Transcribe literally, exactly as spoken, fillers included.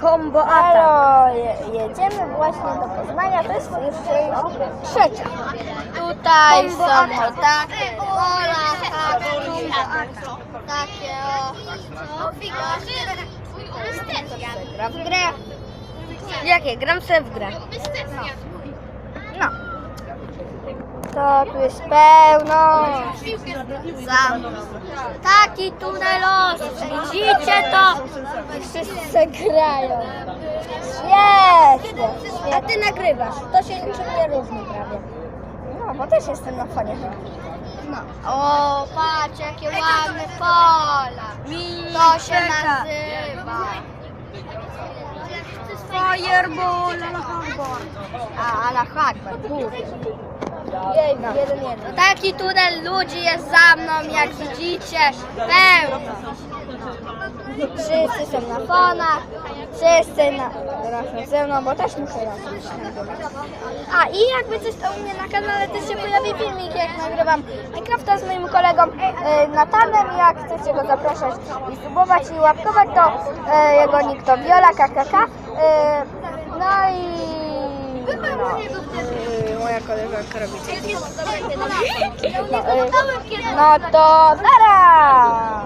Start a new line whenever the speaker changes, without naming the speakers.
Combo
Halo, je, jedziemy właśnie do Poznania, to jest jeszcze trzecia.
Tutaj
Combo
są
atak.
o takie pola, takie o...
Gra w grę.
Jakie? Gram sobie w grę.
No. To tu jest pełno.
Za mną. Taki tunel los, widzicie to?
Wszyscy grają. Świetnie.
A ty nagrywasz. To się niczym nie różni prawie.
No, bo też jestem na fanie.
No. O, patrz jakie ładne pola. To się nazywa.
Fireball.
A, ala Akbar.
Jej, jeden, jeden.
Taki tunel ludzi jest za mną, jak widzicie, pełno.
Wszyscy są na fonach. Wszyscy na, razem ze mną, bo też muszę razem nagrywać. A i jakby coś to u mnie na kanale też się pojawi filmik, jak nagrywam Minecrafta z moim kolegą e, Natanem. Jak chcecie go zapraszać i subować i łapkować, to e, jego nick to Viola K K K. E, no i... No,
Yy, moja koleżanka robi.
no, e, no to zaraz!